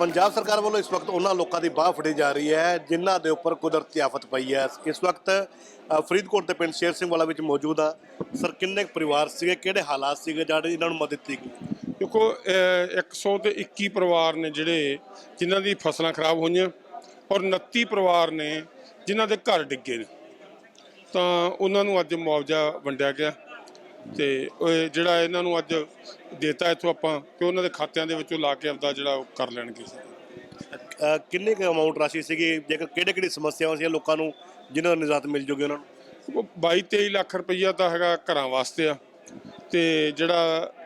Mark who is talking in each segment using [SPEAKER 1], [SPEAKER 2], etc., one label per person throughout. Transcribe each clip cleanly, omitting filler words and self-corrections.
[SPEAKER 1] पंजाब सरकार वालों इस वक्त उन्होंने लोगों की बाह फड़ी जा रही है जिन्हों के उपर कुदरती आफत पई है। इस वक्त फरीदकोट के पिंड शेर सिंह वाला में मौजूद हाँ सर, किन्ने परिवार से किहड़े हालात से जिन्होंने मदद की गई?
[SPEAKER 2] देखो 121 परिवार ने जिहड़े जिन्हां दी फसलां खराब होईयां और 29 परिवार ने जिन्हां दे घर डिगे ने, तां उन्हां नूं अज मुआवजा वंडिया गया ते जिहड़ा इन्हां नूं अज देता इत्थों आपां कि उन्हां दे खात्यां दे विचों ला के आपदा जिहड़ा ओह कर लैणगे।
[SPEAKER 1] किन्नी क अमाउंट राशि सी जेकर किहड़ी समस्यावां सी लोगों को जिन्हों निजात मिल जूगी उन्होंने?
[SPEAKER 2] 22-23 ਲੱਖ ਰੁਪਈਆ ਤਾਂ ਹੈਗਾ ਘਰਾਂ ਵਾਸਤੇ ਆ ਤੇ ਜਿਹੜਾ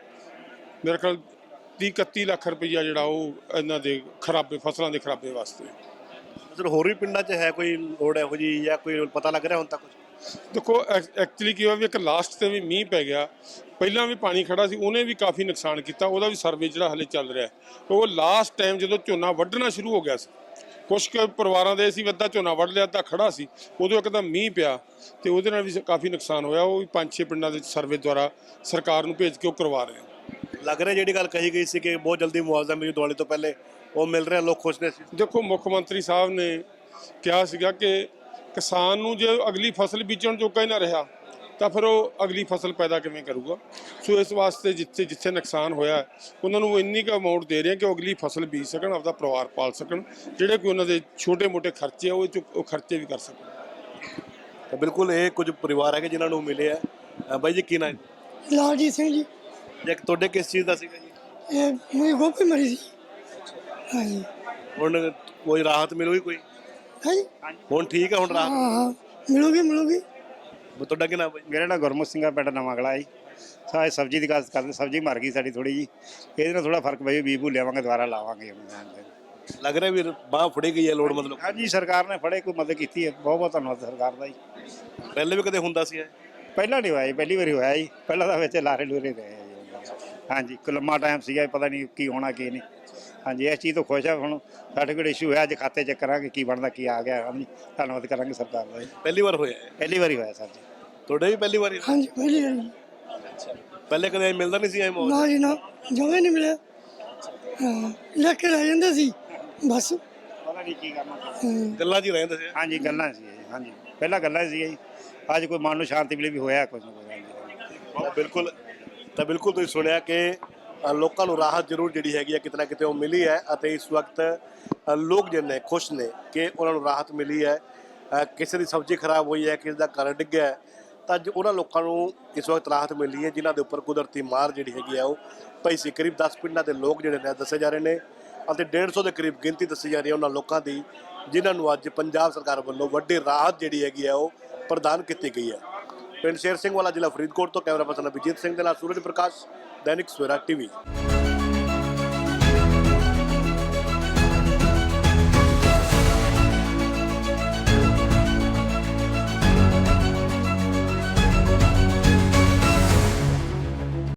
[SPEAKER 2] ਮੇਰੇ ਖਿਆਲ 30-31 ਲੱਖ ਰੁਪਈਆ ਜਿਹੜਾ ਉਹ ਇਹਨਾਂ ਦੇ ਖਰਾਬੇ ਫਸਲਾਂ ਦੇ ਖਰਾਬੇ ਵਾਸਤੇ।
[SPEAKER 1] ਸਰ ਹੋਰ ਵੀ ਪਿੰਡਾਂ 'ਚ ਹੈ ਕੋਈ ਲੋੜ ਇਹੋ ਜਿਹੀ ਜਾਂ ਕੋਈ ਪਤਾ ਲੱਗ ਰਿਹਾ ਹੁਣ ਤੱਕ ਕੁਝ?
[SPEAKER 2] ਦੇਖੋ ਐਕਚੁਅਲੀ ਕੀ ਹੋਇਆ ਵੀ ਇੱਕ ਲਾਸਟ ਤੇ ਵੀ ਮੀਂਹ ਪੈ ਗਿਆ, ਪਹਿਲਾਂ ਵੀ ਪਾਣੀ ਖੜਾ ਸੀ, ਉਹਨੇ ਵੀ ਕਾਫੀ ਨੁਕਸਾਨ ਕੀਤਾ, ਉਹਦਾ ਵੀ ਸਰਵੇ ਜਿਹੜਾ ਹਲੇ ਚੱਲ ਰਿਹਾ। ਉਹ ਲਾਸਟ ਟਾਈਮ ਜਦੋਂ ਝੋਨਾ ਵੱਢਣਾ ਸ਼ੁਰੂ ਹੋ ਗਿਆ ਸੀ, ਕੁਛ ਕੁ ਪਰਿਵਾਰਾਂ ਦੇ ਅਸੀਂ ਅੱਧਾ ਝੋਨਾ ਵੱਢ ਲਿਆ, ਅੱਧਾ ਖੜਾ ਸੀ, ਉਦੋਂ ਇੱਕਦਮ ਮੀਂਹ ਪਿਆ ਤੇ ਉਹਦੇ ਨਾਲ ਵੀ ਕਾਫੀ ਨੁਕਸਾਨ ਹੋਇਆ। ਉਹ ਵੀ 5-6 ਪਿੰਡਾਂ ਦੇ ਸਰਵੇ ਦੁਆਰਾ ਸਰਕਾਰ ਨੂੰ ਭੇਜ ਕੇ ਉਹ ਕਰਵਾ ਰਹੇ ਆ।
[SPEAKER 1] ਲੱਗ ਰਿਹਾ ਜਿਹੜੀ ਗੱਲ ਕਹੀ ਗਈ ਸੀ ਕਿ ਬਹੁਤ ਜਲਦੀ ਮੁਆਵਜ਼ਾ ਮਿਲੂ ਦੀਵਾਲੀ ਤੋਂ ਪਹਿਲੇ, ਉਹ ਮਿਲ ਰਿਹਾ, ਲੋਕ ਖੁਸ਼ ਨੇ?
[SPEAKER 2] ਦੇਖੋ ਮੁੱਖ ਮੰਤਰੀ ਸਾਹਿਬ ਨੇ ਕਿਹਾ ਸੀਗਾ ਕਿ ਕਿਸਾਨ ਨੂੰ ਜੇ ਅਗਲੀ ਫਸਲ ਬੀਜਣ ਜੋਗਾ ਹੀ ਨਾ ਰਿਹਾ ਤਾਂ ਫਿਰ ਉਹ ਅਗਲੀ ਫਸਲ ਪੈਦਾ ਕਿਵੇਂ ਕਰੂਗਾ। ਸੋ ਇਸ ਵਾਸਤੇ ਜਿੱਥੇ ਨੁਕਸਾਨ ਹੋਇਆ ਉਹਨਾਂ ਨੂੰ ਇੰਨੀ ਕੁ ਅਮਾਊਂਟ ਦੇ ਰਹੇ ਕਿ ਉਹ ਅਗਲੀ ਫਸਲ ਬੀਜ ਸਕਣ, ਆਪਦਾ ਪਰਿਵਾਰ ਪਾਲ ਸਕਣ, ਜਿਹੜੇ ਕੋਈ ਉਹਨਾਂ ਦੇ ਛੋਟੇ-ਮੋਟੇ ਖਰਚੇ ਆ ਉਹ ਖਰਚੇ ਵੀ ਕਰ ਸਕਣ।
[SPEAKER 1] ਤਾਂ ਬਿਲਕੁਲ ਇਹ ਕੁਝ ਪਰਿਵਾਰ ਹੈਗੇ ਜਿਨ੍ਹਾਂ ਨੂੰ ਮਿਲੇ ਆ। ਬਾਈ ਜੀ ਕੀ ਨਾਮ?
[SPEAKER 3] ਲਾਲਜੀਤ ਸਿੰਘ ਜੀ।
[SPEAKER 1] ਜੇ ਤੁਹਾਡੇ ਕਿਸ ਚੀਜ਼ ਦਾ ਸੀਗਾ ਜੀ?
[SPEAKER 3] ਇਹ ਮੇਰੀ ਗੋਭੀ ਮਰੀ ਸੀ। ਹਾਂਜੀ।
[SPEAKER 1] ਹੁਣ ਕੋਈ ਰਾਹਤ ਮਿਲੂਗੀ ਕੋਈ?
[SPEAKER 3] ਹਾਂਜੀ।
[SPEAKER 1] ਹੁਣ ਠੀਕ ਹੈ, ਹੁਣ ਰਾਹਤ?
[SPEAKER 3] ਹਾਂ ਮਿਲੂਗੀ।
[SPEAKER 1] ਤੁਹਾਡਾ ਕੀ ਨਾਮ ਬਾਈ?
[SPEAKER 4] ਮੇਰਾ ਨਾਮ ਗੁਰਮੁਖ ਸਿੰਘ ਆ, ਪਿੰਡ ਨਵਾਂ ਕਲਾ ਜੀ। ਸਾਰੇ ਸਬਜ਼ੀ ਦੀ ਗੱਲ ਕਰਦੇ, ਸਬਜ਼ੀ ਮਰ ਗਈ ਸਾਡੀ ਥੋੜੀ ਜੀ, ਇਹਦੇ ਨਾਲ ਥੋੜਾ ਫਰਕ ਪਈ, ਬੀਜ ਬੂ ਲਿਆਵਾਂਗੇ ਦੁਬਾਰਾ ਲਾਵਾਂਗੇ।
[SPEAKER 1] ਲੱਗ ਰਿਹਾ ਵੀ ਬਾਹ ਫੜੀ ਗਈ ਹੈ ਲੋੜ ਮਤਲਬ?
[SPEAKER 4] ਹਾਂਜੀ, ਸਰਕਾਰ ਨੇ ਫੜੇ, ਕੋਈ ਮਦਦ ਕੀਤੀ ਹੈ, ਬਹੁਤ ਬਹੁਤ ਧੰਨਵਾਦ ਸਰਕਾਰ ਦਾ ਜੀ।
[SPEAKER 1] ਪਹਿਲੇ ਵੀ ਕਦੇ ਹੁੰਦਾ ਸੀ?
[SPEAKER 4] ਪਹਿਲਾਂ ਨਹੀਂ ਹੋਇਆ ਜੀ, ਪਹਿਲੀ ਵਾਰੀ ਹੋਇਆ ਜੀ। ਪਹਿਲਾਂ ਤਾਂ ਵਿੱਚ ਲਾਰੇ ਲੂਰੇ ਰਹੇ ਜੀ। ਹਾਂਜੀ, ਇੱਕ ਲੰਮਾ ਟਾਈਮ ਸੀਗਾ, ਪਤਾ ਨਹੀਂ ਕੀ ਹੋਣਾ ਕੀ ਨਹੀਂ। ਹਾਂਜੀ, ਇਸ ਚੀਜ਼ ਤੋਂ ਖੁਸ਼ ਆ। ਹੁਣ ਸਾਡੇ ਕੋਲ ਇਸ਼ੂ ਹੋਇਆ, ਅੱਜ ਖਾਤੇ ਚੈੱਕ ਕਰਾਂਗੇ ਕੀ ਬਣਦਾ, ਕੀ ਆ ਗਿਆ। ਹਾਂਜੀ, ਧੰਨਵਾਦ ਕਰਾਂਗੇ ਸਰਕਾਰ ਦਾ ਜੀ।
[SPEAKER 1] ਪਹਿਲੀ ਵਾਰ ਹੋਇਆ?
[SPEAKER 4] ਪਹਿਲੀ ਵਾਰੀ ਹੋਇਆ ਸਰ ਜੀ।
[SPEAKER 1] ਤੁਹਾਡੇ ਵੀ ਪਹਿਲੀ ਵਾਰੀ?
[SPEAKER 3] ਹਾਂਜੀ ਪਹਿਲੀ ਵਾਰੀ।
[SPEAKER 1] ਪਹਿਲੇ ਕਦੇ ਮਿਲਦਾ ਨਹੀਂ ਸੀ ਐ ਮੌਕਾ?
[SPEAKER 3] ਨਾ ਜੀ ਨਾ, ਜਮੇ ਨਹੀਂ ਮਿਲਿਆ। ਹਾਂ, ਲੈ ਕੇ ਰਹਿ ਜਾਂਦੇ ਸੀ ਬਸ।
[SPEAKER 4] ਪਤਾ ਨਹੀਂ ਕੀ ਕਰਨਾ।
[SPEAKER 1] ਗੱਲਾਂ 'ਚ ਹੀ ਰਹਿੰਦੇ ਸੀ?
[SPEAKER 4] ਹਾਂਜੀ, ਗੱਲਾਂ ਸੀ ਜੀ। ਹਾਂਜੀ, ਪਹਿਲਾਂ ਗੱਲਾਂ ਸੀ ਜੀ। ਅੱਜ ਕੋਈ ਮਨ ਨੂੰ ਸ਼ਾਂਤੀ ਮਿਲੀ ਵੀ ਹੋਇਆ ਕੁਝ ਨਾ ਕੁਝ।
[SPEAKER 1] ਬਿਲਕੁਲ। ਤਾਂ ਬਿਲਕੁਲ ਤੁਸੀਂ ਸੁਣਿਆ ਕਿ ਲੋਕਾਂ ਨੂੰ ਰਾਹਤ ਜ਼ਰੂਰ ਜਿਹੜੀ ਹੈਗੀ ਹੈ ਕਿਤੇ ਨਾ ਕਿਤੇ ਉਹ ਮਿਲੀ ਹੈ ਅਤੇ ਇਸ ਵਕਤ ਲੋਕ ਜਿਹੜੇ ਖੁਸ਼ ਨੇ ਕਿ ਉਹਨਾਂ ਨੂੰ ਰਾਹਤ ਮਿਲੀ ਹੈ। ਕਿਸੇ ਦੀ ਸਬਜ਼ੀ ਖਰਾਬ ਹੋਈ ਹੈ, ਕਿਸੇ ਦਾ ਘਰ ਡਿੱਗਿਆ ਹੈ, ਤਾਂ ਅੱਜ ਉਹਨਾਂ ਲੋਕਾਂ ਨੂੰ ਇਸ ਵਕਤ ਰਾਹਤ ਮਿਲੀ ਹੈ ਜਿਨ੍ਹਾਂ ਦੇ ਉੱਪਰ ਕੁਦਰਤੀ ਮਾਰ ਜਿਹੜੀ ਹੈਗੀ ਆ ਉਹ ਪਈ ਸੀ। ਕਰੀਬ 10 ਪਿੰਡਾਂ ਦੇ ਲੋਕ ਜਿਹੜੇ ਨੇ ਦੱਸੇ ਜਾ ਰਹੇ ਨੇ ਅਤੇ 150 ਦੇ ਕਰੀਬ ਗਿਣਤੀ ਦੱਸੀ ਜਾ ਰਹੀ ਹੈ ਉਹਨਾਂ ਲੋਕਾਂ ਦੀ ਜਿਨ੍ਹਾਂ ਨੂੰ ਅੱਜ ਪੰਜਾਬ ਸਰਕਾਰ ਵੱਲੋਂ ਵੱਡੀ ਰਾਹਤ ਜਿਹੜੀ ਹੈਗੀ ਆ ਉਹ ਪ੍ਰਦਾਨ ਕੀਤੀ ਗਈ ਹੈ। ਪਿੰਡ ਸ਼ੇਰ ਸਿੰਘ ਵਾਲਾ, ਜ਼ਿਲ੍ਹਾ ਫਰੀਦਕੋਟ ਤੋਂ ਕੈਮਰਾ ਪਰਸਨ ਅਭਿਜੀਤ ਸਿੰਘ ਦੇ ਨਾਲ ਸੂਰਜ ਪ੍ਰਕਾਸ਼, दैनिक सवेरा टीवी।